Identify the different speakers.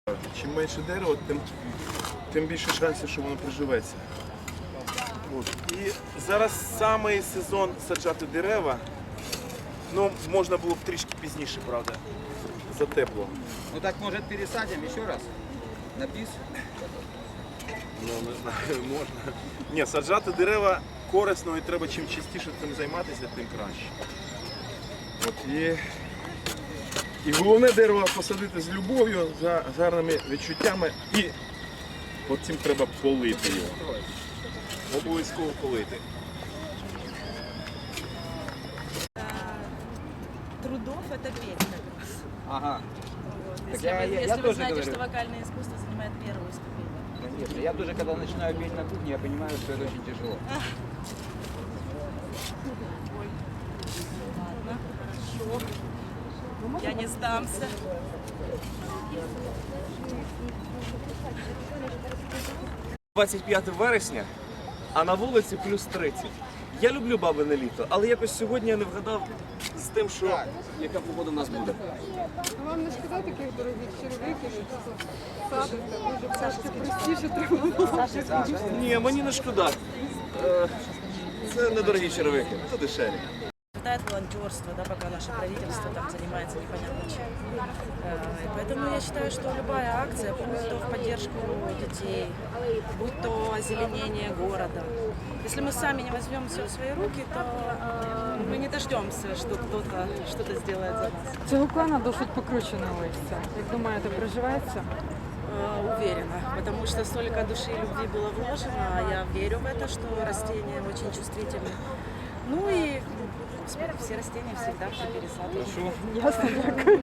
Speaker 1: Чим менше дерева, тим більше шансів, що воно приживеться. От. І зараз саме сезон саджати дерева. Ну, можна було б трішки пізніше, правда, за тепло.
Speaker 2: Ну так, может, пересадим еще раз? На бис?
Speaker 1: Ну, не знаю, можна. Ні, саджати дерева корисно і треба чим частіше цим займатися, тим краще. От, і головне дерево посадити з любов'ю, з гарними відчуттями і потім треба полити його. Обов'язково полити.
Speaker 3: Трудов это петь как раз.
Speaker 2: Ага.
Speaker 3: Вот.
Speaker 2: Так
Speaker 3: Если вы
Speaker 2: тоже
Speaker 3: знаете,
Speaker 2: говорю.
Speaker 3: что вокальное искусство занимает первую ступень.
Speaker 2: Конечно. Я тоже, когда начинаю петь на кухне, я понимаю, что это очень тяжело.
Speaker 3: Ладно, хорошо. Я не сдамся.
Speaker 4: – 25 вересня, а на вулиці плюс 30. Я люблю бабине літо, але якось сьогодні я не вгадав з тим, що яка погода в нас буде.
Speaker 5: Вам не шкода таких дорогих черевиків, що садите, може трошки простіше треба було.
Speaker 4: Ні, мені не шкода. Це недорогі черевики, це дешеві.
Speaker 3: Хватает волонтерства, да, пока наше правительство там занимается непонятно чем. И поэтому я считаю, что любая акция, будь то в поддержку детей, будь то озеленение города, если мы сами не возьмем все в свои руки, то мы не дождемся, что кто-то что-то сделает за нас.
Speaker 5: Цього клана досить покручене листя. Як думаєте, приживеться?
Speaker 3: Уверена, потому что столько души и любви было вложено, а я верю в это, что растения очень чувствительны. Ну и, господи, все растения всегда при пересадке.
Speaker 5: Ясно, дякую.